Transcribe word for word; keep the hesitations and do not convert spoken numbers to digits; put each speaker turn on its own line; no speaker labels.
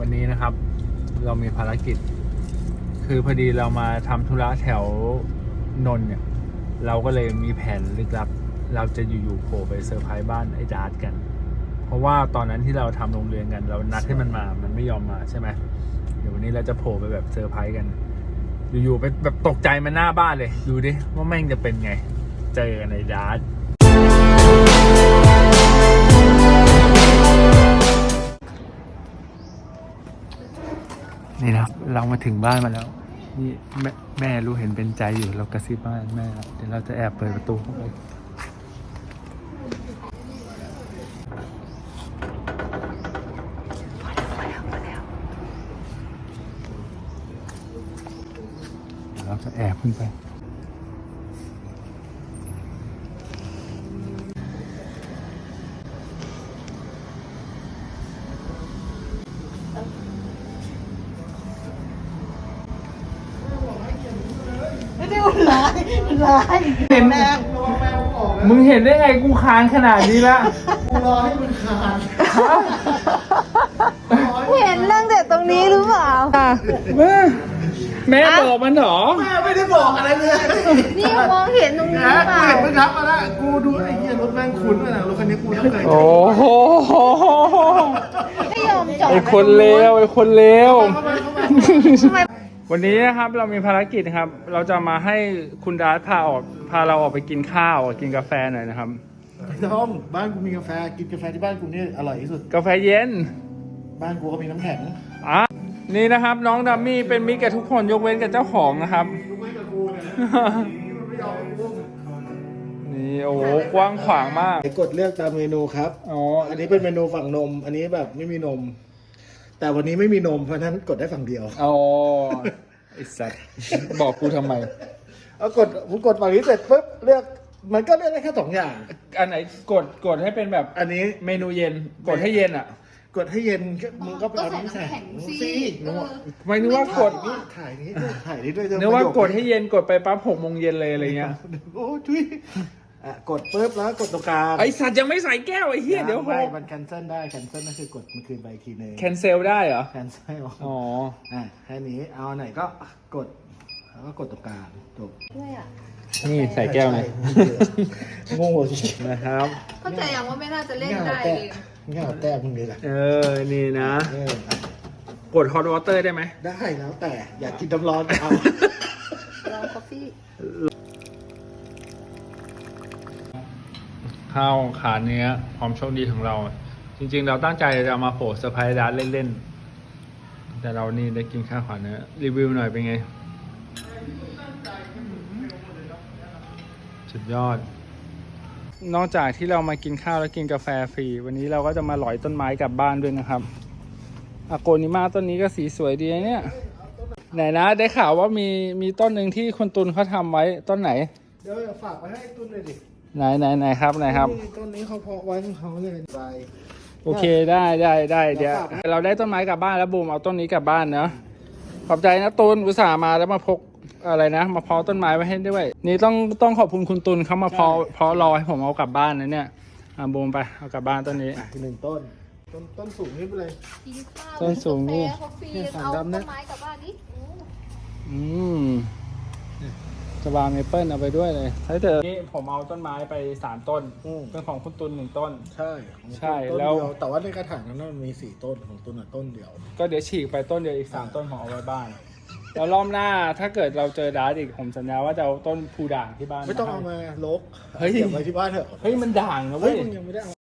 วันนี้นะครับเรามีภารกิจคือพอดีเรามาทำธุระแถวนนท์เนี่ยเราก็เลยมีแผนลึกลับเราจะอยู่ๆโผล่ไปเซอร์ไพรส์บ้านไอ้ดาร์ตกันเพราะว่าตอนนั้นที่เราทำโรงเรียนกันเรานัดให้มันมามันไม่ยอมมาใช่ไหมเดี๋ยววันนี้เราจะโผล่ไปแบบเซอร์ไพรส์กันอยู่ๆไปแบบตกใจมันหน้าบ้านเลยดูดิว่าแม่งจะเป็นไงเจอกันไอ้ดาร์ตนี่นะครับเรามาถึงบ้านมาแล้วนี่แม่แม่รู้เห็นเป็นใจอยู่เรากระซิบบ้านแม่แล้วเดี๋ยวเราจะแอบเปิดประตูเข้าไปเดี๋ยวเราจะแอบขึ้นไป
ไม่ได้ร้ายร้ายเห็นแม่
มึงเห็นได้ไงกูคานขนาดนี้ละ
กูรอให้มึงคาน
เห็นตั้งแต่ตรงนี้หรือเปล่า
แม่แม่บอกมันเหรอ
แม่ไม่ได้บอกอะไรเลย
นี่มองเห็นตรงนี้หรือเปล่า
กูเห็นมึงทับมาแล้วกูดูไอ้เหี้ยรถแม่งคุ้นด้วยนะรถคันนี้กูต้องเคย
โอ้โห
ไม่ยอมจอด
ไอคนเลวไอคนเลว
เข้ามาเข้ามา
ทำไม
วันนี้นะครับเรามีภารกิจครับ เราจะมาให้คุณดาร์ตพาออกพาเราออกไปกินข้าวกินกาแฟหน่อยนะครับ
ไม่ต้องบ้านกูมีกาแฟกินกาแฟที่บ้านกูนี่อร่อยที่สุด
กาแฟเย็น
บ้านกูก็มีน้ำแข็ง
อ่ะนี่นะครับน้องดัมมี่เป็นมิตรกับทุกคนยกเว้นกับเจ้าของนะครับ
ลูกไม่กับกูเนี่ยไม่ยอมกู
นี่โอ้โหกว้างขวางมาก
กดเลือกตามเมนูครับ
อ๋อ
อันนี้เป็นเมนูฝั่งนม อันนี้แบบไม่มีนม แต่วันนี้ไม่มีนมเพราะฉะนั้นกดได้ฝั่งเดียว
อ๋อไอสัตว์บอกกูทำไม
เอากดผมกดฝั่งนี้เสร็จปุ๊บเลือกมันก็เลือกได้แค่สองอย่าง
อันไหนกดกดให้เป็นแบบ
อันนี้
เมนูเย็นกดให้เย็นอ่ะ
กดให้เย็นมึงก็ไปเอาน้ำแข็งสิ
ไม่นึกว่ากด
นี่ถ่ายนี้ด้วยถ่ายนี้ด้วย
นึกว่ากดให้เย็นกดไปปั๊บหกโมงเย็นเลยอะไรเงี้ย
โอ้ทุยอ่ะกดปุ๊บแล้วกดตรงกลาง
ไอสัตว์ยังไม่ใส่แก้วไอเหี้ยเดี๋ยวห
ไม่
ก
มัน cancel ได้ cancel นั่นคือกดมันคืนไปอีกทีนึง
แคนเซลได้เหรอ
cancel
อ๋อ
อ่ะแค่นี้เอาไหนก็กดแล้วก็กดตรงกลางจบ
ด้วยอ่ะ
นี่ใส่แก้วเลย
โง่จริง
นะครับ
เข้าใจยังว่าไม่น่าจะเล่น
ง่าย
ได้
แต่
เอง
ง่ายแต่มึงเลยล่ะ
เออ นี่นะ
เออก
ดฮอตวอเตอร์ได้ไหม
ได้แล้วแต่อยากกินน้ำร้อนเอา
ลองกาแฟ
ข้าวขาเนื้อความโชคดีของเรา จริงๆ เราตั้งใจจะเอามาโผล่เซอร์ไพรส์ดาร์ตเล่นๆ แต่เรานี่ได้กินข้าวขาเนื้อรีวิวหน่อยเป็นไง สุดยอด นอกจากที่เรามากินข้าวแล้วกินกาแฟฟรี วันนี้เราก็จะมาหลอยต้นไม้กลับบ้านด้วยนะครับอะโกนิมาต้นนี้ก็สีสวยดีนะเนี่ย ไหนนะได้ข่าวว่ามีมีต้นหนึ่งที่คุณตุลเขาทำไว้ต้นไหน
เดี๋ยวฝากไว้ให้ตุ้นเลยดิ
ไหนไหนไหนครับไหนครับ
ต้นนี้เขาเพาะไว้ของเขาเลยใบ
โอเคได้ได้ได้เดี๋ยว
เดี๋ยวฝากนะ
เราได้ต้นไม้กลับบ้านแล้วบูมเอาต้นนี้กลับบ้านเนาะขอบใจนะตุลอุตส่าห์มาแล้วมาพกอะไรนะ มาเพาะต้นไม้ไว้ให้ด้วย นี่ต้องต้องขอบคุณคุณตุลเขามาเพาะเพาะรอให้ผมเอากลับบ้านนะเนี่ยอ่ะบูมไปเอากลับบ้านต้นนี้
อ่ะหนึ่งต้น ต้นต้นสูงนี่ไปเลย
กินข้าว
ต้นสูงนี่
กาแฟคอฟฟี่
เนี่ยสั่ง
เอา
ดำนะ
ต้นไม้กลับบ้านดิ
อืมสบาเมเปิลเอาไปด้วยเลยใช่เถอะนี่ผมเอาต้นไม้ไปสามต้น
อืม
เป็นของคุณตุลหนึ่งต้น
ใช่ของ
ใช่
ต้น
แล้ว
เดียแต่ว่าในกระถางนั้นมันมีสี่ต้นของต้นอ่ะต้นเดียว
ก็เดี๋ยวฉีกไปต้นเดียวอีกสามต้นของเอาไว้บ้าน แล้วรอบหน้าถ้าเกิดเราเจอดาร์ตอีกผมสัญญาว่าจะเอาต้นพูด่างที่บ้าน
ไม่ต้องเอา
ให้
มาลก
เฮ้ย
เก็บไว้ที่บ้านเถอะ
เฮ้ยมันด่างนะ
เฮ้
เว้
ย
ย
มึงยังไม่ได้เอา